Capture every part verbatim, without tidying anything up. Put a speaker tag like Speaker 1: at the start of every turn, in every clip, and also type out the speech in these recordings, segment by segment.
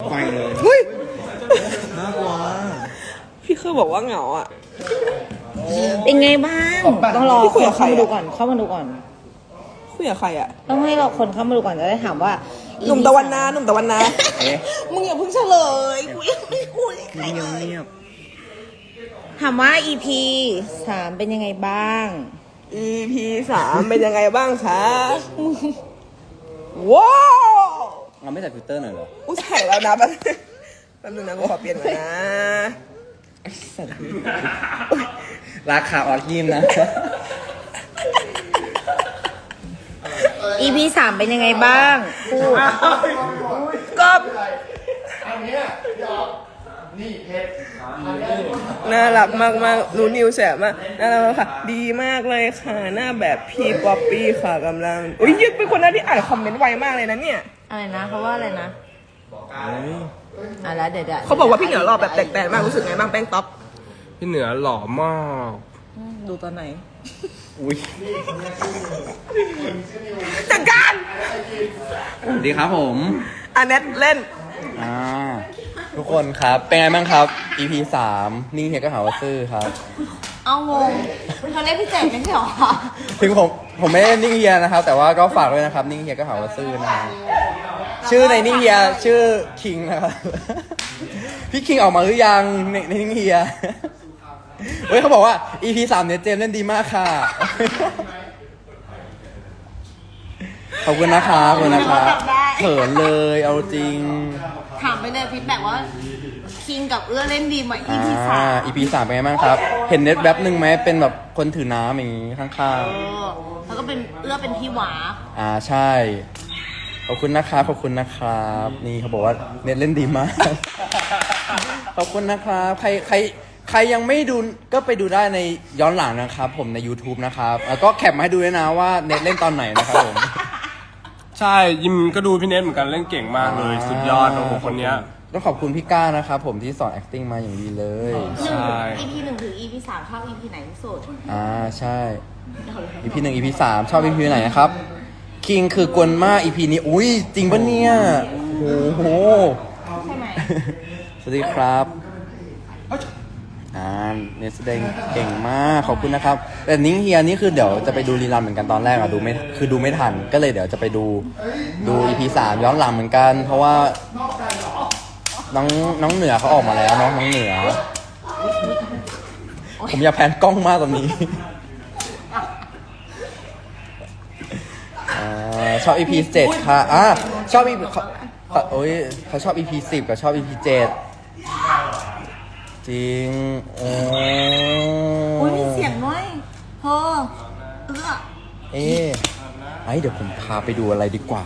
Speaker 1: ไปเลย
Speaker 2: เฮ้ย
Speaker 1: น่ากลัว
Speaker 2: พี่คือบอกว่าเหงาอ่ะ
Speaker 3: เป็นไงบ้างต้องรอคนเข้ามาดูก่อนเข้ามาดูก่อน
Speaker 2: คุยกับใครอ่ะ
Speaker 3: ต้องให้เราคนเข้ามาดูก่อนจะได้ถามว่า
Speaker 2: หนุ่มตะวันนาหนุ่มตะวันนา
Speaker 1: เอ๊ะ
Speaker 2: มึงอย่าเพิ่งเฉลยกูยังไม่คุยกับใคร
Speaker 1: เงี
Speaker 2: เลย ย
Speaker 1: บเงียบ
Speaker 3: ถามว่า อี พี สามเป็นยังไงบ้าง
Speaker 2: อี พี สามเป็นยังไงบ้างคะว้าว
Speaker 1: เราไม่ใส่ฟิลเตอร์หน่อยเหรอ
Speaker 2: อุ้ยใส่แล้วนะแป๊บแป๊บนึงนะกูขอเปลี่ยนก่อนนะ
Speaker 1: ราคาออดยิมนะ
Speaker 3: อี พี สามเป็นยังไงบ้างพูด
Speaker 2: ก็น่ารักมากมากๆรู้นิวแสบมากน่ารักมากค่ะ ดีมากเลยค่ะ หน้าแบบพี่ป๊อปปี้ค่ะกำลังอุ้ยยึดเป็นคนนั้นที่อ่านคอมเมนต์ไวมากเลยนะเนี่ย
Speaker 3: อะไรนะเขาว่าอะไรนะอะไรเดี๋ยวเดี๋ยว
Speaker 2: เขาบอกว่าพี่เหนือหล่อแบบแตกๆมากรู้สึกไงบ้างแป้งต๊อป
Speaker 4: พี่เหนือหล่อมาก
Speaker 2: ดูตอนไหน
Speaker 1: อุ้ย
Speaker 2: จัดการ
Speaker 1: ดีครับผม
Speaker 2: อันเน็ตเล่น
Speaker 1: อ่า ทุกคนครับ เป็นไงบ้างครับ อี พี สามนิ่งเฮียก็หาว่าซื่อครับ
Speaker 3: เอางงเขาเรียกพี่เจ๋งไม่ใช่หรอ
Speaker 1: ถึงผมผมไม่ได้นิ่งเฮียนะครับ แต่ว่าก็ฝากด้วยนะครับ นิ่งเฮียก็หาว่าซื่อนะฮะชื่อในนิ่งเฮียชื่อคิงนะครับ พี่คิงออกมาหรือยังในในนิ่งเฮียเฮ้ยเขาบอกว่า อี พี สามเนี่ยเจมส์เล่นดีมากค่ะ ขอบคุณนะครับขอบคุณนะครับเขินเลยเอาจริง
Speaker 3: ถามไปเลยฟีดแบ็กว่าคิงกับเอื้อเล่นดีไหม อี
Speaker 1: อ่า
Speaker 3: พี สาม
Speaker 1: อี พี สามเป็นไงบ้างครับ เห็นเน็ตแวบหนึ่งไหมเป็นแบบคนถือน้ำอย่างงี้ข้าง
Speaker 3: เออแล้วก็เป็นเอื้อเป็นพี่หวา
Speaker 1: ๆ อ่าใช่ ขอบคุณนะครับขอบคุณนะครับ นี่เขาบอกว่าเน็ตเล่นดีมาก ขอบคุณนะครับใครใครใครยังไม่ดูก็ไปดูได้ในย้อนหลังนะครับ ผมใน YouTube นะครับแล้วก็แคปมาให้ดูด้วยนะว่าเน็ตเล่นตอนไหนนะครับผม
Speaker 4: ใช่ยิมก็ดูพี่เนทเหมือนกันเล่นเก่งมากเลย สุดยอดโอ้โหคนเนี้ย
Speaker 1: ต้องขอบคุณพี่ก้านะครับผมที่สอน acting มาอย่างดีเลย
Speaker 4: ใช่
Speaker 3: อีพีหนึ่งถึงอีพีสามชอบอีพีไหนที่สุด
Speaker 1: อ่าใช่ อี พี หนึ่ง อี พี สามชอบ อี พี ไหนนะครับคิงคือกวนมาก อี พี นี้อุ้ยจริงปะเนี่ยโอ้โห
Speaker 3: ใช่ไหม
Speaker 1: สวัสดีครับอ่าเนสแสดงเก่งมากขอบคุณนะครับ แต่นิ้งเฮียนี่คือเดี๋ยวจะไปดูรีลันเหมือนกันตอนแรกอะดูไม่คือดูไม่ทันก็เลยเดี๋ยวจะไปดูดู อี พี สามย้อนหลังเหมือนกัน เพราะว่าน้องน้องเหนือเขาออกมาแล้วเนาะน้องเหนือ ผมอยากแพนกล้องมากตอนนี้อ่าชอบ อี พี เจ็ดค่ะอ่ะชอบ อี พี เขาเขาโอ้ยเขาชอบ อี พี สิบกับชอบ อี พี เจ็ดจริงโอ้
Speaker 3: โอ้ยมีเสียงด้วยเธอเอื้อ
Speaker 1: เอ๊ะไอ้เดี๋ยวผมพาไปดูอะไรดีกว่า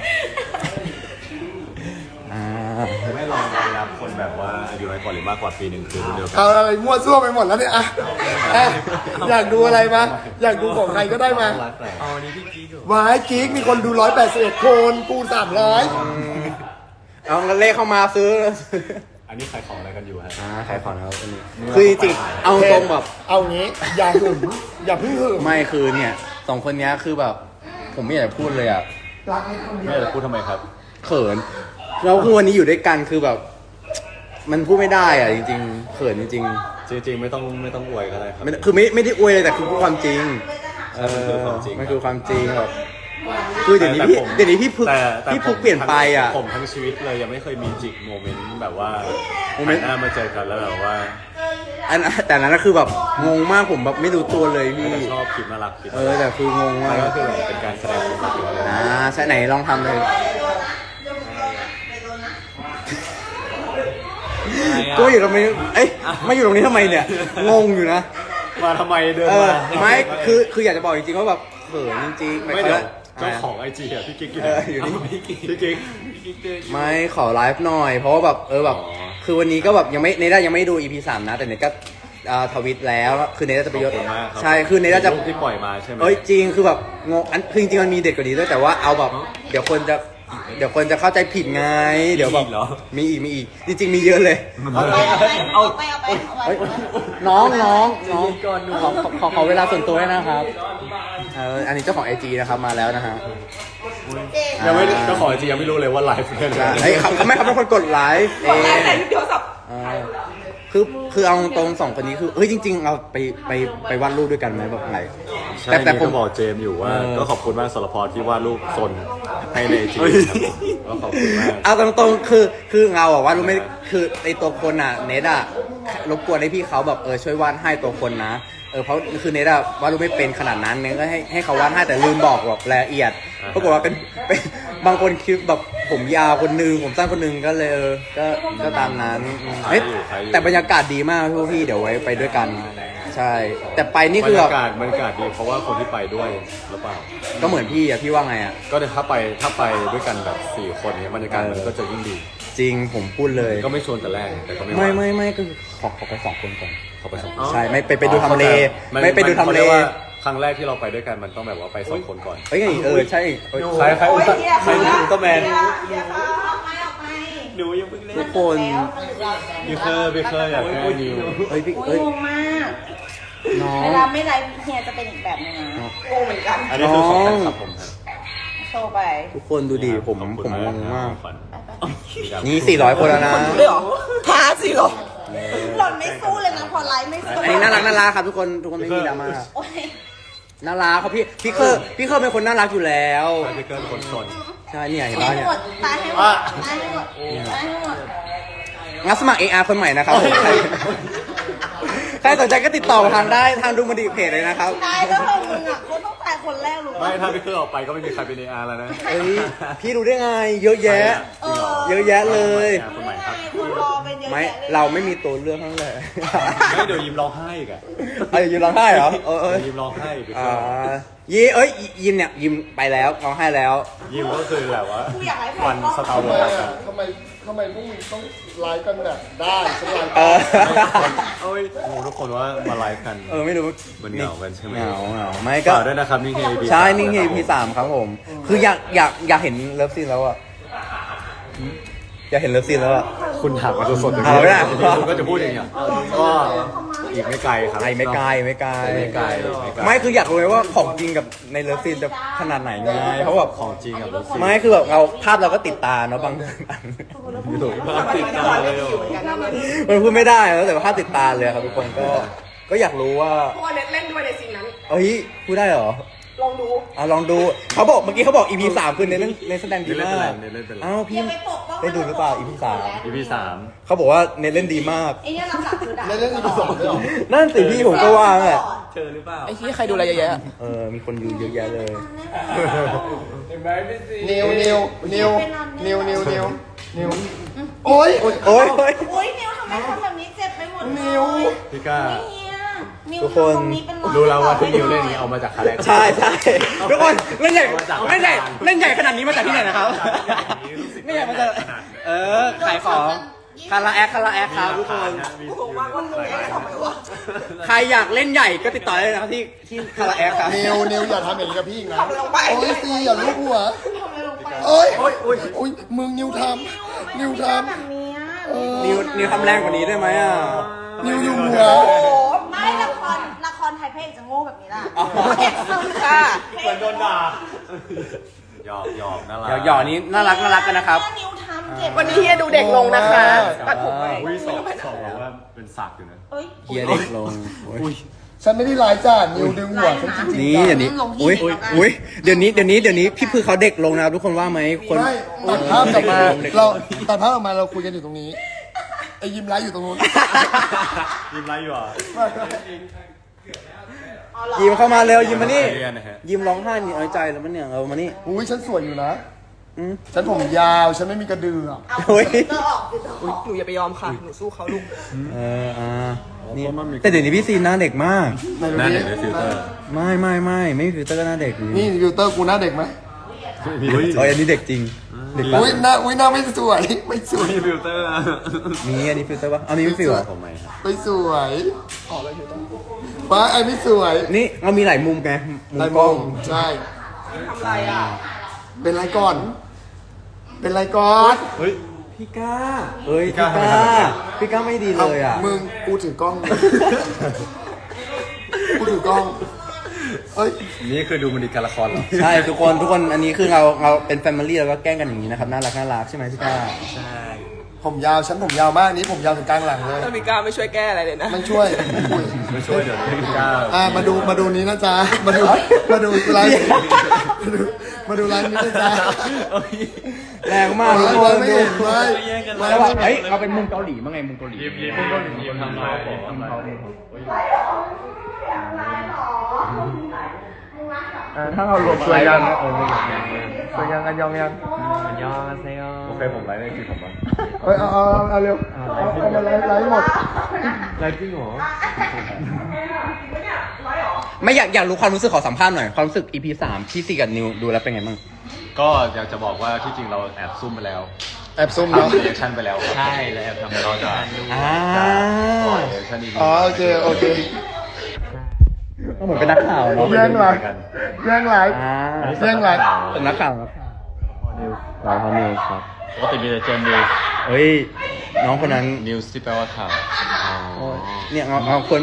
Speaker 1: อ่า
Speaker 5: ไม่ลองไปรับคนแบบว่าอายุน้อยกว่าหรือมากกว่าปีหนึ่งคือรุ่นเดียวกัน
Speaker 6: เอาอะไรมั่วซั่วไปหมดแล้วเนี่ยอ่ะอ่ะอยากดูอะไรมาอยากดูของใครก็ได้มา
Speaker 5: รักแหละ
Speaker 6: วายกิ๊กมีคนดูร้อยแปดสิบเอ็ดคนกูสามร้อย
Speaker 1: เอาเงินเลขเข้ามาซื้อ
Speaker 5: อันนี้ขายของอะไรกันอยู่ฮะ
Speaker 1: อ่าขายของนะครับอันนี้คือจริงๆเอาตรงแบบ
Speaker 6: เอางี้อย่าหึงอย่าเพิ่งหึง
Speaker 1: ไม่คือเนี่ยสองคนเนี้ยคือแบบ ผมไม่อยากจะพูดเลยอ่ะ
Speaker 6: รักนิดคนเดี
Speaker 5: ไม่
Speaker 6: ยว
Speaker 5: จะพูดทำไมครับ
Speaker 1: เขินเราคือวันนี้อยู่ด้วยกันคือแบบ มันพูดไม่ได้อ่ะจริงๆเขินจริง
Speaker 5: จริงๆไม่ต้องไม่ต้องอวยก็ได้ครับ
Speaker 1: ๆไม่คือไม่ไม่ได้อวยเลยแต่คือพูดความจริง เอ
Speaker 5: มันคือ
Speaker 1: อ
Speaker 5: ความจริง
Speaker 1: มันคือความจริงแบบคือเดี๋ยวนี้
Speaker 5: แต่
Speaker 1: พี่
Speaker 5: ผม
Speaker 1: เดี๋ยวนี้พี่พึก
Speaker 5: แต่แต่
Speaker 1: พี่พึก
Speaker 5: ผม
Speaker 1: เปลี่ยนไปอ่ะ
Speaker 5: ผมทั้งชีวิตเลยยังไม่เคยมีจิกโมเมนต์แบบว่า
Speaker 1: โมเมนต์
Speaker 5: หันหน้ามาเจอกันแล้วแบบว่า
Speaker 1: อันแต่นั้นก็คือแบบงงมากผมแบบไม่รู้ตัวเลยพี่
Speaker 5: แต่ชอบคลิปน่ารักคลิป
Speaker 1: เออแต่คืองงมา
Speaker 5: แล้ว
Speaker 1: ก
Speaker 5: ก็คือแบบเป็นการแสดงความคิดเลย
Speaker 1: อ่าใช่ไหนลองทำเลยก็อยู่ตรงนี้เอ้ยมาอยู่ตรงนี้ทำไมเนี่ยงงอยู่นะ
Speaker 5: มาทำไมเดิน
Speaker 1: เออ
Speaker 5: มา
Speaker 1: ไม่คือคืออยากจะบอกจริงๆว่าแบบเขินจริงๆ
Speaker 5: ไม่เดี๋ยว
Speaker 1: ะ
Speaker 5: เจ้าของไอจีอะพี่กิ๊กอยู่
Speaker 1: เอออยู่นี่
Speaker 5: พี่กิ๊กพี่กิ๊ก
Speaker 1: ไม่ขอไลฟ์หน่อย เพราะว่าแบบเออแบบ
Speaker 5: อ๋อ
Speaker 1: คือวันนี้ก็แบบยังไม่เนด้ายังไม่ดู อี พี สามนะแต่เนด้าก็อ่าทวิตแล้วคือเนด้าจะไปยศ
Speaker 5: ขอบคุณมากรับ
Speaker 1: ใช่คือเนด้าจะ
Speaker 5: รูปที่ปล่อยมาใช่ไหม
Speaker 1: เอ้ยจริงคือแบบงงอันคือจริงๆมันมีเด็ดกว่านี้ด้วยแต่ว่าเอาแบบเดี๋ยวคนจะเดี๋ยวคนจะเข้าใจผิดไงเดี๋ยวแบบ
Speaker 5: มีอีกเหรอ
Speaker 1: มีอีกมีอีกจริงๆมีเยอะเลย
Speaker 3: เอาไปเอาไปเอาไป
Speaker 1: เฮ้ยน้องน้องน้องขอขอขอขอเวลาส่วนตัวด้วยนะครับเอออันนี้เจ้าของไอจีนะครับมาแล้วนะฮะ
Speaker 5: ยังไม่เจ้าของจริงยังไม่รู้เลยว่าไลฟ์เป็นอะไร
Speaker 1: ไอ้ยเขาเขาไม่เขาเป็นคนกดไลฟ์เอก
Speaker 2: ดไลฟ์
Speaker 1: ง
Speaker 2: แต่โทรศัพท์
Speaker 1: อ่าคือคือเอาตรงๆสองคนนี้คือเฮ้ยจริง ๆ เราไปไปไปวาดรูปด้วยกันไหมแบบไหน
Speaker 5: ใช่
Speaker 1: แต่แต่
Speaker 5: นี่
Speaker 1: ผ
Speaker 5: ก็
Speaker 1: ม
Speaker 5: บอกเจมส์อยู่ว่า
Speaker 1: เออ
Speaker 5: ก็ขอบคุณมากสารพรที่วาดรูปซนให้ในจีครับก็ขอบคุณมาก
Speaker 1: เอาตรงๆคือคือเราอะวาดรูปไม่คือไอตัวคนอะเนทอะรบกวนให้พี่เขาแบบเออช่วยวาดให้ตัวคนนะเออเพราะคือเนทอะวาดรูปไม่เป็นขนาดนั้นเนทก็ให้ให้เขาวาดให้แต่ลืมบอกแบบรายละเอียดปรากฏว่าเป็นเป็นบางคนคิดแบบผมยาวคนนึงผมสั้นคนนึงก็เลยเออก็ก็ตามนั้นอืมเฮ้ยแต่บรรยากาศดีมากทุกพี่เดี๋ยวไว้ไปด้วยกันใช่ แต่ไปนี่
Speaker 5: บร
Speaker 1: คือ
Speaker 5: ร
Speaker 1: แบ
Speaker 5: ยา
Speaker 1: บ
Speaker 5: กาศบรรยากาศดีเพราะว่าคนที่ไปด้วยหรือเปล่า
Speaker 1: ก็เหมือนพี่อะพี่ว่าไงอะ
Speaker 5: ก็ถ้าไปถ้าไปด้วยกันแบบสี่คนเนี้ยบรรยากาศมันก็จะยิ่งดี
Speaker 1: จริงผมพูดเลย
Speaker 5: ก็ไม่ชวนแต่แรกแต่ก็ไม่
Speaker 1: ไม่
Speaker 5: ว่า
Speaker 1: ไม่ไม่ก็คือขอขอไปสองคนก่อน
Speaker 5: เขาไปสอง
Speaker 1: ใช่ไม่ไปไปดูทำเล
Speaker 5: มัน
Speaker 1: ไม่ไปดูทำ
Speaker 5: ขา
Speaker 1: เล
Speaker 5: รียกว่าครั้งแรกที่เราไปด้วยกันมันต้องแบบว่าไปสองคนก่อน
Speaker 1: เอ้ยเออใช่เอ้ย
Speaker 5: ใครใครอุลตร้าใครอุลตร้าแมน
Speaker 3: หนูยังเพิ่งเล่น
Speaker 1: ทุกคน
Speaker 5: พี่เคอร์พี่เคอร์อยากให้นิว
Speaker 1: เอ้ยพี่
Speaker 3: โอ้
Speaker 1: เอ้
Speaker 3: ย
Speaker 1: ย
Speaker 3: งงมาก
Speaker 1: น้อง
Speaker 3: เวลาไม่ไลฟ์เฮียจะเป็นอีกแบบนึงนะ
Speaker 2: งงเหมือนกัน
Speaker 5: อันนี้คือของแฟนคลับผมครับ
Speaker 3: โชว์ไป
Speaker 1: ทุกคนดูดิผม
Speaker 5: ขอบ
Speaker 1: ผ
Speaker 5: คุณ
Speaker 1: มงงมาก
Speaker 5: ฝัน
Speaker 1: นี่สี่ร้อยคนแล้วนะ
Speaker 2: เลยเหรอท้าสิเหรอ
Speaker 3: หล่อนไม่สู้เลยนะพอไลฟ์ไม่สู้
Speaker 1: อันนี้น่ารักน่ารักครับทุกคนทุกคนไม่มีดราม่า
Speaker 3: โอ้ย
Speaker 1: น่ารักครับพี่พี่เคอร์พี่เคอร์เป็นคนน่ารักอยู่แล้ว
Speaker 5: พี่เคอร์เป็นคนสน
Speaker 1: ใช่เนี่ยเห็น
Speaker 3: ตา
Speaker 1: ป่ะ
Speaker 3: ยให้
Speaker 1: เนี่ย
Speaker 3: หมดตายให้หมดตายให้หมดตายให้หมด
Speaker 1: งัดสมัคร เอ อาร์ คนใหม่นะครับผมใครใครสนใจก็ติดต่อทางได้ทางดูมันดีเพจเลยนะครับ
Speaker 3: ตายแล้วเรามึงอ่ะคนต้องตายคนแรกรู้
Speaker 5: ไม่
Speaker 3: ป่ะ
Speaker 5: ถ้าพี่เคอร์ออกไปก็ไม่มีใครเป็นเออาร์แล้วนะ
Speaker 1: เอ้ยพี่รู้ได้ไง เยอะแยะ
Speaker 3: เออ
Speaker 1: เยอะแยะเลย
Speaker 5: คนใหม่ครับ
Speaker 3: คนรอเป็นเยอะ
Speaker 1: ไม่
Speaker 3: แยะเลย
Speaker 1: เราไม่มีตัวเลือกทั้งนั้นเลย
Speaker 5: ไม่เดี๋ยวยิ้มร้องไห้อีกอะ
Speaker 1: เอ้ยยิมร้องไห้เหรอเออเออ
Speaker 5: เดี๋ยวยิ้มร้องไห้พี่เค
Speaker 1: อ่า
Speaker 5: อร์
Speaker 1: ยีเอ้ยยิมเนี่ยยิมไปแล้วร้องไห้แล้ว
Speaker 5: ยิ้มก็คือแบบว่า
Speaker 3: กูอยากให้แฟ
Speaker 5: วัน
Speaker 3: นกล้อง
Speaker 5: สตาร์วอร์
Speaker 6: ทำไมทำไมพวกมึงต้องไลฟ์กันแบบได้ฉันไลฟ์
Speaker 1: เออ
Speaker 5: เอ้ยงงทุกคนว่ามาไลฟ์กัน
Speaker 1: เออไม่รู้
Speaker 5: มันเหงากันใช่ไหม
Speaker 1: เหงาเหงาไม่ก็
Speaker 5: ฝากด้วยนะครับนี่คือ อี พี
Speaker 1: ใช่นี่คือ อี พี สามครับผม คืออยากอยากอยากเห็นเลิฟซีนแล้วอะอยากเห็นเลิฟซีนแล้วอะ
Speaker 5: คุณถามมาสดๆอย่าง
Speaker 1: เอาไม่ได้
Speaker 5: คุณก็จะพูดอย่างเงี้ยก็อีกไม่ไกลครับ
Speaker 1: ไอไม่ไกลไม่ไกล
Speaker 5: ไม่ไกลไม่ไกล
Speaker 1: ไม่คืออยากรู้เลยว่าของจริงกับในเลิฟซีนจะขนาดไหนไงเพราะแบบ
Speaker 5: ของจริงกับรถซี
Speaker 1: ไม่คือแบบเราภาพเราก็ติดตาเนาะบางอัน
Speaker 5: ติดตามเลย
Speaker 1: มันพูดไม่ได้แล้วแต่ว่าภาพติดตาเลยครับทุกคนก็ก็อยากรู้ว่า
Speaker 2: เพราะว่าเน็ตเล่นด้วยในซีนนั้น
Speaker 1: เอ้ยพูดได้เหรอ
Speaker 2: ลองดู
Speaker 1: อ่ะลองดูเขาบอกเมื่อกี้เขาบอก อี พี สามคือในเล่นในแสดงดี
Speaker 5: เล่น
Speaker 1: มา
Speaker 5: เป็นไร
Speaker 1: ก
Speaker 5: เล่นเป็นไร
Speaker 1: อ้าวพี่
Speaker 3: อย่าไปปกป้อง
Speaker 1: ได้ดูหรือเปล่า อี พี สาม
Speaker 5: อีพีสาม
Speaker 1: เขาบอกว่าเนเล่นดีมาก
Speaker 3: ไอ้เนี่ยหลักๆคือด่า
Speaker 6: เล่นเล่นอีพีสองด้วยเหรอ
Speaker 1: นั่นสิพี่ผมก็ว่าแหละ
Speaker 2: ไอ้ที่ใครดูอะไรเยอะแยะ
Speaker 1: เออมีคนดูเยอะแยะเลย
Speaker 6: นิวนิวนิวนิวนิวนิวนิวโอ๊ย
Speaker 1: โอ้ยโอ้ย
Speaker 3: โอ้ยนิวทำไมทำแบบนี้เจ็บไปหมดเลย
Speaker 6: นิว
Speaker 5: พี่ก้า
Speaker 3: เฮียนิว
Speaker 1: ทุกคน
Speaker 3: ทำตรงนี้เป็นรอย
Speaker 5: รู้แล้วว่าที่นิวเล่นนี้เอามาจากคาแรคเตอร์
Speaker 1: ใช่ใช่ทุกคนเล่นใหญ่
Speaker 5: มาจาก
Speaker 1: เล่นใหญ่เล่นใหญ่ขนาดนี้มาจากที่ไหนนะครับเล่นใหญ่มาจากเออขายของคาราแอคคาราแอคครับทุกคน ใครอยากเล่นใหญ่ก็ติดต่อได้นะครับที่ที่คาราแอคครับ
Speaker 6: นิวนิวอย่าทำอย่างนี้กับพี่อีกนะ
Speaker 2: ทำอะไรลงไป
Speaker 6: โอ๊ยซีอย่าลูบหัว
Speaker 3: ทำอะไรลงไป
Speaker 6: โอ๊ยโอ๊ยโอ๊ยมึงนิวทำนิวท
Speaker 3: แบบเนี้ย
Speaker 6: ำเออ
Speaker 1: นิวนิวทำแรงกว่านี้ได้ไหมอ่ะ
Speaker 6: นิวอยู่หัว
Speaker 2: โอ้โห
Speaker 3: ไม่ละครละครไทยพระเอกจะโง่แบบนี้ล่ะ
Speaker 1: อ๋อ
Speaker 3: เอกซึม
Speaker 2: ค่ะ
Speaker 5: เหมือนโดนด่าหยอกหยอกน่ารัก
Speaker 1: เดี๋ยวหยอนี้น่ารักน่ารักกันนะครับ
Speaker 3: นิวทำเจ็บ
Speaker 2: วันนี้เฮียดูเด็กลงนะคะตัดผมใหม่
Speaker 5: อุ้ยสอบสอบบอกว่าเป็นสักอยู่นะ
Speaker 3: เอ้ย
Speaker 1: เฮียเด็กลงโอ้ย
Speaker 6: ฉันไม่ได้ไลฟ์จ้านิวดึงหัวฉันจริงๆ
Speaker 1: นี่เดี๋ยวนี้
Speaker 3: ลงที่
Speaker 1: อุ้ย
Speaker 3: เด็กแล้วกัน
Speaker 1: อุ้ยเดี๋ยวนี้เดี๋ยวนี้เดี๋ยวนี้พี่พือเขาเด็กลงนะครับทุกคนว่าไหมคน
Speaker 6: ไม่ตัดภาพกลับมา
Speaker 1: เด็กล
Speaker 6: เรา
Speaker 1: ง
Speaker 6: ตัดภาพออกมาเราคุยกันอยู่ตรงนี้ไอ้ยิ้มไลฟ์อยู่ตรงนู้น
Speaker 5: ยิ้มไรอยู่อ่ะ
Speaker 1: ยิมเข้ามาเร็วยิมมานี่
Speaker 5: เรียนนะฮะ
Speaker 1: ยิมร้องไห้นี่เอาใจแล้วมันเนี่ยเอามานี่
Speaker 6: อุ้ยฉันสวยอยู่นะ
Speaker 1: อืม
Speaker 6: ฉันผมยาวฉันไม่มีกระดืออะ
Speaker 3: เอา
Speaker 1: โอ้ย
Speaker 3: เตอร์ออกเตอร์ออก
Speaker 2: หนูอย่าไปยอมค่ะ หนูสู้เขาลูก
Speaker 1: เอออ่านี่แต่เดี๋ยวนี้พี่ซีนหน้าเด็กมาก
Speaker 6: ไหนดู
Speaker 5: หน้า
Speaker 6: ดิ
Speaker 5: เด็กในฟิลเตอร์
Speaker 1: ไม่ไม่ไม่ไม่มีฟิลเตอร์ก็หน้าเด็ก
Speaker 6: นี่ฟิลเตอร์กูหน้าเด็กไหม
Speaker 5: อุ้ย
Speaker 1: โอ้ยอันนี้เด็กจริงเด็กปะ
Speaker 6: อุ้ยหน้าอุ้ยหน้าไม่สวยไม่สวย
Speaker 5: มีฟิลเตอร์
Speaker 1: มีอันนี้ฟิลเตอร์ปะอันนี้ไม่ฟิลอะ
Speaker 5: ผมไหมครับ
Speaker 6: ไม่สวยป้าไอ้ไม่สวย
Speaker 1: นี่เรามีหลายมุมไงมุม
Speaker 6: ไร
Speaker 1: ก
Speaker 6: ม
Speaker 1: ล้
Speaker 6: อ
Speaker 1: อง ง
Speaker 6: ใช่
Speaker 2: ทำไรอ่ะ
Speaker 6: เป็นไรก่อน เป็นไรก่อน
Speaker 5: เฮ้ย
Speaker 1: พี่ก้าเอ้ย
Speaker 5: พี่
Speaker 1: พี่
Speaker 5: ก้า
Speaker 1: ก้าพี่ก้าไม่ดีเลยอ่ะ
Speaker 6: มึงกูถือกล้อง กูถือกล้อง เอเอ้ย
Speaker 5: นี่คือดูมันดีการละครเหรอ
Speaker 1: ใช่ทุกคนทุกคนอันนี้คือเราเราเป็นแฟมิลี่แล้วก็แกล้งกันอย่างนี้นะครับน่ารักน่ารักใช่ไหมพี่ก้า
Speaker 6: ผมยาวฉันผมยาวมากนี้ผมยาวถึงกลางหลังเลย
Speaker 2: ถ้ามีกล้าไม่ช่วยแก้อะไรเลยนะ
Speaker 6: ไม่ช่วยไม่ช่วย
Speaker 5: ไม่ช่วยเดี๋ยวพี่ก้าว
Speaker 6: อ่ามาดูมาดูนี้นะจ๊ะมาดูมาดูไลน์มาดูมาดูไลน์นี้นะจ๊ะ
Speaker 1: แรงมากทุกค
Speaker 6: ไล
Speaker 1: น
Speaker 6: น์ไม่
Speaker 1: ดู
Speaker 6: เห็นไลน์ไล
Speaker 1: แล้ว
Speaker 6: น์
Speaker 1: แบบเฮ้ยเอาเป็นมุมเกาหลีมั้งไงมุมเกาหลี
Speaker 5: ยิ้มยิ้มเกาหลียิ้มทำเขาบอกทำเขา
Speaker 1: ถ้าเรารวม
Speaker 5: ช่วยยัง
Speaker 1: ช่วยยังกันยองยัง
Speaker 5: โอเคผมไลฟ์ในทีผมบ้าง
Speaker 6: เอ้ยเอาเอาเอาเอาเร็วเอาเอามาไลน์ไลน์หมด
Speaker 5: ไลฟ์จริงเหรอ
Speaker 1: ไม่อยากอยากรู้ความรู้สึกขอสัมภาษณ์หน่อยความรู้สึก อี พี สามที่ซีกับนิวดูแล้วเป็นไงบ้าง
Speaker 5: ก็อยากจะบอกว่าที่จริงเราแอบซุ่มไปแล้ว
Speaker 6: แอบซุ่มเนาะ
Speaker 5: ทำรีแอคชั่นไปแล้วใช่แล้วแอบทำเราจะ
Speaker 1: อ่า
Speaker 5: ปล่อยรีแอคชั่นอีก
Speaker 6: อ๋อโอเคโอเค
Speaker 1: ก็เหมือนเป็นนักข่าวเนาะ
Speaker 6: แย่งไลน์แย่งไลน์
Speaker 1: อ่า
Speaker 6: แย่งไลน์
Speaker 1: เป็นนักข่าวครับเราเขานิวครับ
Speaker 5: ปกติมีแต่เจมส์นิวส์
Speaker 1: เฮ้ยน้องคนนั้น
Speaker 5: นิวส์ที่แปลว่าข่าว
Speaker 1: เนี่ยเอาเอาคน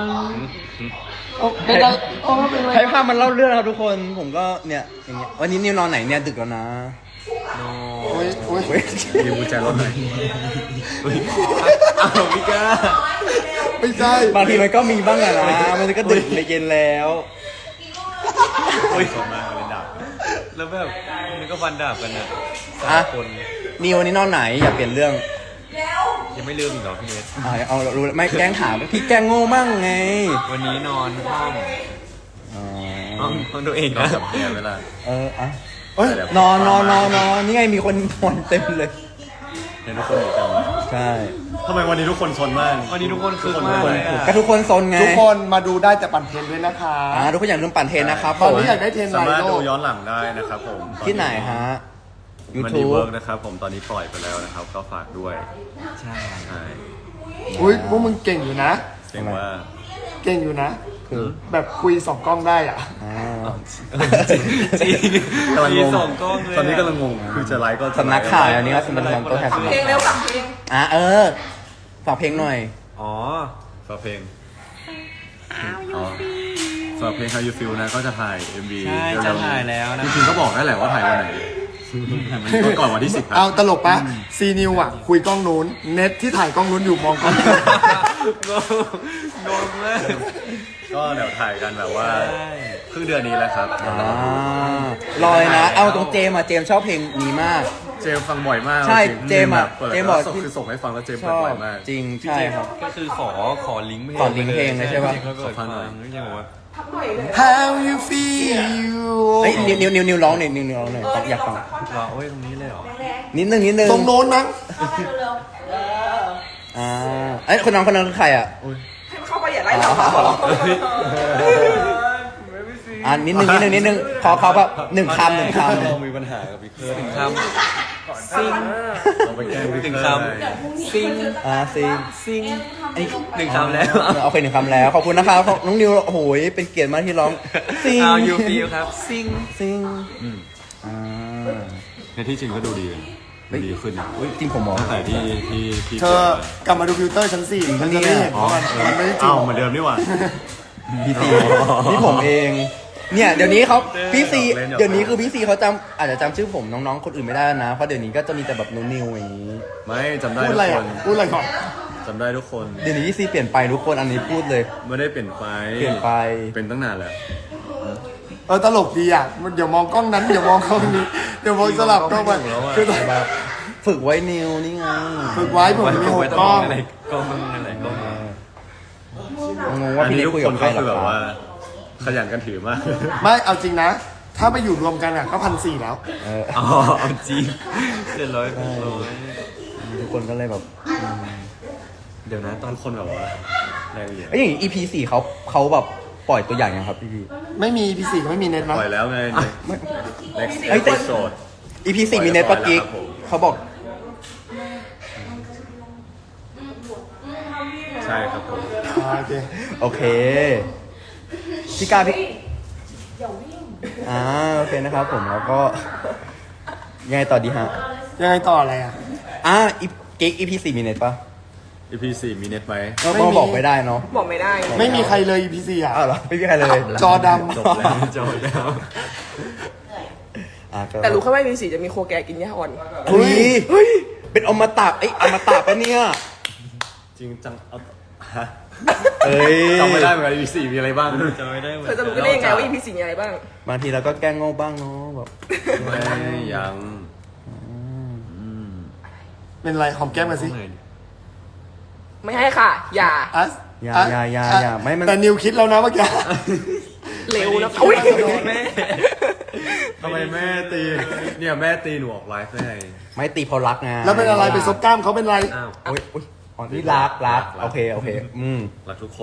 Speaker 1: ให้ภาพมันเล่าเรื่องนะครับทุกคนผมก็เนี่ยอย่างเงี้ยวันนี้นิวนอนไหนเนี่ยดึกแล้วนะ
Speaker 6: โอ้ยโอ้ย
Speaker 1: เว้ย
Speaker 5: นิวกุญแจรถหน่อยอ้าวพี่ก้า
Speaker 6: ไม่ใช่
Speaker 1: บางทีมันก็มีบ้างอะนะมันก็ดึกในเย็นแล้ว
Speaker 5: โอ้ยสดมากเลยดาบแล้วแบบมันก็ฟันดาบกันนะสา
Speaker 1: อ่ะ
Speaker 5: มคน
Speaker 1: นิววันนี้นอนไหนอย่าเปลี่ยนเรื่อง
Speaker 5: ยังไม่ลืมอีกเหรอพี่เนส
Speaker 1: อ่าเอารู้ไม่แกล้งถามพี่แกล้งโง่มั่งไง
Speaker 5: วันนี้นอนห้อง
Speaker 1: อ๋อ
Speaker 5: ห้องห้องตัวเองนะกับแกเวลา
Speaker 1: เอออ่ะ
Speaker 6: เอ้ย
Speaker 1: นอนนอนนอนนอนนี่ไงมีคนนอนเต็มเลย
Speaker 5: เห็นทุกคนอยู่กัน
Speaker 1: ใช่
Speaker 5: ทำไมวันนี้ทุกคนซนมากวันนี้ทุกคนคือมากเลย
Speaker 1: ก็ทุกคนซนไง
Speaker 6: ทุกคนมาดูได้แต่ปั่นเทรนด้วยนะคะ
Speaker 1: อ่าทุกคนอย่าลืมปั่นเทรนนะครับ
Speaker 6: ตอน
Speaker 1: ผม
Speaker 6: นี้อยากได้เทรนไล
Speaker 5: สามารถ
Speaker 6: โล
Speaker 5: ดูย้อนหลังได้นะครับผม
Speaker 1: ที่ไหนฮะ
Speaker 5: มันดี
Speaker 1: YouTube
Speaker 5: เวิร์กนะครับผมตอนนี้ปล่อยไปแล้วนะครับก็ฝากด้วยใช่ใช่
Speaker 6: อุ้ยพวกมึงเก่งอยู่นะ
Speaker 5: เรียกว่า
Speaker 6: เก่งอยู่นะ
Speaker 1: คือ
Speaker 6: แบบคุยสองกล้องได้อ่ะ
Speaker 1: อ่า
Speaker 5: จริงจริงกำลังงงตอนนี้กำลังงงคือจะไลฟ์ก็จะ
Speaker 1: สำนักข่าวอันนี้ก็สำนักข่าวตัวแทนสำนัก
Speaker 2: เพลงเร็วกับเพลง
Speaker 1: อ่ะเออฝากเพลงหน่อย
Speaker 5: อ๋อฝากเพลงอ๋อฝากเพลง How You Feel นะก็จะถ่าย เอ็ม วี
Speaker 7: ใช่จะถ่ายแล้วนะ
Speaker 5: จริงๆก็บอกได้แหละว่าถ่ายวันไหนมันก็ก่อนวันที่สิบครับ
Speaker 6: เอาตลกปะซีนิวอ่ะ คุยกล้องนู้น เน็ตที่ถ่ายกล้องนู้นอยู่มองกล้องนี้
Speaker 5: งงมากก็เดี๋ยวถ่ายกันแบบว่าครึ่งเดือนนี้แหละครับ
Speaker 1: อ่ารอเลยนะ เอาตรงเจมส์อะเจมส์ชอบเพลงนี้มาก
Speaker 5: เจมส์ฟังบ่อยมาก
Speaker 1: ใช่
Speaker 5: ริงๆ
Speaker 1: เจมส์อะ
Speaker 5: เปิด
Speaker 1: เจมส์บอก
Speaker 5: แล้วคือส่งให้ฟังแล้วเจมส์
Speaker 1: ช
Speaker 5: เปิด
Speaker 1: อบ
Speaker 5: บ่อยมาก
Speaker 1: จริงใช่ครับ
Speaker 7: ก็คือขอขอลิงก์เพลง
Speaker 1: ขอลิงก์เพลงเลยใช่ปะ
Speaker 7: เขาเปิด
Speaker 5: ขอฟั
Speaker 7: ฟั
Speaker 5: ง
Speaker 7: ง
Speaker 5: หน่อย
Speaker 7: ก็ยังบอกว่า
Speaker 6: How you feel
Speaker 1: เฮ้ยนิวนิวนิวนิวร้องหน่อยนิวนิวร้องหน่อยอยากฟัง
Speaker 7: รอโอ้ยตรงนี้เลยเหรอ
Speaker 1: นิดนึงนิดนึง
Speaker 6: ตรงโน้นมั้ง
Speaker 1: อ่าเอ้ยคนน้องคนนั้นคือใครอ่ะ
Speaker 2: เข้าไปอย่าไล่เรา
Speaker 1: อ่านิดนึงนิดนึงนิดนึงขอเขาแบบหนึ่งคำหนึ่งคำ
Speaker 5: เรามีปัญหากับพี่เคิร์ด
Speaker 7: ถึงคำซิง
Speaker 5: เราไปแกล้งพี่
Speaker 7: ถึง
Speaker 5: เคิร์ด
Speaker 7: คำซิง
Speaker 1: อ่าซิง
Speaker 7: ซิง
Speaker 1: ไอ้
Speaker 7: หนึ่งคำแล้ว
Speaker 1: เอาไปหนึ่งคำแล้วขอบคุณนะครับน้องนิวโอ้โหเป็นเกียรติมากที่ร้องซิง
Speaker 7: How you feel ครับซิง
Speaker 1: ซิงอ่า
Speaker 5: ในที่จริงก็ดูดีเลยดูดีขึ้น
Speaker 1: อุ๊ยจริงผมมอง
Speaker 5: ตั้งแต่ที่ที่ที่
Speaker 6: เธอกลับมาดูฟิลเตอร์ชั้นสี่มันจะได้เห็น
Speaker 5: อ๋อ
Speaker 6: ว่ามันมันไม่ได้จริ
Speaker 5: เอ้าง เหมือนเดิมนี่หว่า
Speaker 1: พี่ซีนี่ผมเอง เนี่ยเดี๋ยวนี้เขาพี่ซี
Speaker 5: เล่นหยอก
Speaker 1: เดี๋ยวนี้คือพี่ซีเขาจำอาจจะจำชื่อผมน้องๆคนอื่นไม่ได้แล้วนะเพราะเดี๋ยวนี้ก็จะมีแต่แบบนิวๆอย่างนี้
Speaker 5: ไม่จำได้
Speaker 6: พูด
Speaker 5: ทุ
Speaker 6: อะไร
Speaker 5: กค
Speaker 6: อ่ะ
Speaker 5: น
Speaker 6: พูดอะไรก่อน
Speaker 5: จำได้ทุกคน
Speaker 1: เดี๋ยวนี้พี่ซีเปลี่ยนไปทุกคนอันนี้พูดเลย
Speaker 5: ไม่ได้เปลี่ยนไป
Speaker 1: เปลี่ยนไป
Speaker 5: เป็นตั้งนานแล้ว
Speaker 6: เออตลกดีอ่ะมันเดี๋ยวมองกล้องนั้นเดี๋ยวมองกล้องนี้เดี๋ยวมองสลับกล้องไปคือแบบ
Speaker 1: ฝึกไว้นิวนี่ไง
Speaker 6: ฝึกไว้ผมมีหกกล้อง
Speaker 7: อะไรกล้องอะไรกล้อง
Speaker 1: งงว่า
Speaker 5: อัน
Speaker 1: พี่
Speaker 5: นี้
Speaker 1: เล็ก
Speaker 5: ทุก
Speaker 1: คุย
Speaker 5: ค
Speaker 1: กับ
Speaker 5: น
Speaker 1: ใคร
Speaker 5: ก็
Speaker 1: หร
Speaker 5: คือ
Speaker 1: อ
Speaker 5: แบบ
Speaker 1: ค
Speaker 5: ว่า
Speaker 1: รับ
Speaker 5: ขยันกันถือมาก
Speaker 6: ไม่เอาจริงนะ ถ้าไปอยู่รวมกันอ่ะก็พันสี่แล้ว
Speaker 1: เออ
Speaker 7: อ๋อเอาจริงเจ็ดร้อยร้อย
Speaker 1: ทุกคนก็เลยแบบ
Speaker 7: เดี๋ยวนะตอน
Speaker 5: ทุกคนแบบว่าแรงเหยียด
Speaker 1: ไอ้ยอย่าง อี พี สี่เขาเขาแบบปล่อยตัวอย่างยังครับพี่พี่
Speaker 6: ไม่มีพีสี่ก็ไม่มีเน็ตนะ
Speaker 5: ปล่อยแล้วไง next
Speaker 1: เอ้ยแต่
Speaker 5: episode
Speaker 1: อี พี สี่มีเน็ตปะกิ๊ก
Speaker 5: ปล่อยแล้วครับผม
Speaker 1: เขาบอก
Speaker 5: ใช่ครับผม
Speaker 6: อ่าโอเค
Speaker 1: โอเคพี่กล้าพี่อ่าโอเคนะครับผมแล้วก็ยังไงต่อดีฮะ
Speaker 6: ยังไงต่ออะไรอ่ะ
Speaker 1: อ่าอีกิ๊ก อี พี สี่มีเน็ตปะ
Speaker 5: อี พี สี่มีเน็ตไหม
Speaker 1: ก็ก็บอกไม่ได้เนาะ
Speaker 2: บอกไม่ได้
Speaker 6: ไม่มีใครเลย อี พี สี่อ่ะ
Speaker 1: อ้าวเหรอไม่มีใครเลย
Speaker 6: จอด
Speaker 5: จบแล้วจบแล้ว
Speaker 1: อ่ะก็
Speaker 2: แต่รู้แค่ว่า อี พี สี่จะมีโคแกกินหญ้าอ่อน
Speaker 1: เฮ้ยเฮ้ยเป็นอมตะไอ้ยอมตะปะเนี่ย
Speaker 5: จริงจังเอาฮะ
Speaker 1: เอ้ย
Speaker 5: จำไม่ได้เหมือนกัน อี พี สี่มีอะไรบ้าง
Speaker 7: จะไม่ได้เหมือ
Speaker 2: เธอน จะรู้ได้ยังไงว่า อี พี สี่ มีอะไรบ้าง
Speaker 1: บางทีเราก็แกล้งโง่บ้างเนาะแบบ
Speaker 5: ไม่ยัง
Speaker 6: เป็นไรหอมแก้มกันสิ
Speaker 2: ไม่ให้ค่ะ อย่า
Speaker 6: อัส
Speaker 1: อย่า
Speaker 6: ะ
Speaker 1: อย่าอย่าอย่าไม่มัน
Speaker 6: แต่นิวคิดแล้วนะเมื่อกี้
Speaker 2: เร็วนะอุ้ย
Speaker 5: แม่ทำไมแม่ตี เนี่ยแม่ตีหนูออกไลฟ์ได้ไง
Speaker 1: ไม่ตีเพราะรักไง
Speaker 6: แล้วเป็นอะไรไปซบกล้ามเขาเป็นไร
Speaker 7: อ้าว
Speaker 1: โอ้ยโอ้ยอ๋อนี่รักรักโอเคโอเคอืม
Speaker 5: รักทุกคน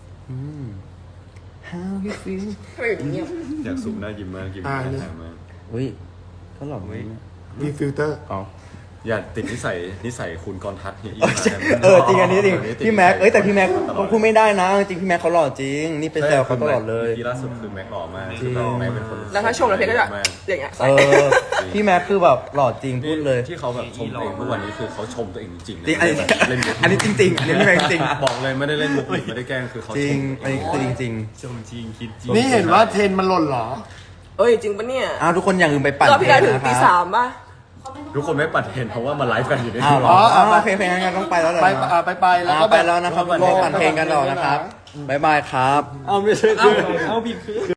Speaker 1: How you feel
Speaker 2: ทำไมอยู่เงียบ
Speaker 5: อยากสูบหน้ายิ้มมากยิ้มห
Speaker 6: อ่า
Speaker 5: น้า
Speaker 6: เนี่ย
Speaker 5: แข็งมาก
Speaker 1: อุ้ยก็หล่อไหม
Speaker 6: มีฟิลเตอร์
Speaker 1: อ๋อ
Speaker 5: อย่าติดนิสัยนิสัยคุณกรทัศน์เฮียอี
Speaker 1: เออจริงอันนี้จริงพี่แม็กเอ้ยแต่พี่แม็กเขาพูดไม่ได้นะจริงพี่แม็กเขาหล่อจริง นี่เป็นแซวเขาตลอดเลย
Speaker 5: ที่ล่าสุดคือแม็กหล่อมาก
Speaker 1: จริง
Speaker 5: คือแบบแม็กเป็นคน
Speaker 2: แล้วถ้าชมแล้วเพชรก็จะ
Speaker 5: มาก
Speaker 2: อย่างเงี้ย
Speaker 1: เออพี่แม็กคือแบบหล่อจริงพูดเลย
Speaker 5: ที่เขาแบบชมตัวเองทุกวันนี้คือเขาชมตัวเองจริงๆ
Speaker 1: จริงอันนี้
Speaker 5: ไม่ได้แบบเล่นมุก
Speaker 1: อันนี้จริงๆอันนี้พี่แม็กจริง
Speaker 5: บอกเลยไม่ได้เล่นมุกหรือไม่ได้แกล้งคือเขา
Speaker 1: จริ
Speaker 5: ช
Speaker 1: ง
Speaker 5: ม
Speaker 1: อันนี้คือจริง
Speaker 7: ชมจริงคิดจริง
Speaker 6: นี่เห็นว่าเทรนมันหล่นเหรอ
Speaker 2: เอ้ยจริงปะเนี่ย
Speaker 1: ๆอ้าวทุกคนอย่าลืมไปปั่น
Speaker 2: รอบพี่ได้ถึง
Speaker 1: เพล
Speaker 2: ตี
Speaker 1: นะค
Speaker 2: สา
Speaker 1: รับ
Speaker 2: มป่ะ
Speaker 5: ทุกคนไม่ปัดเห็นเพราะว่ามาไลฟ์กันอยู่ใน
Speaker 1: อ้าวเหรอ
Speaker 6: อ๋อ
Speaker 1: อ้าว
Speaker 6: ไป
Speaker 1: เพลงเพลงงั้นต้องไปแล้วเหรอ
Speaker 6: ไปอ่าไปไปแล้ว
Speaker 1: อ่า
Speaker 6: ก็
Speaker 1: ไปแล้วนะครับทุกคนปั่นเพลงกันต่อนะครับบ๊ายบายครับ
Speaker 5: เอาไม่ใช่คือ
Speaker 7: เอาผิดคือ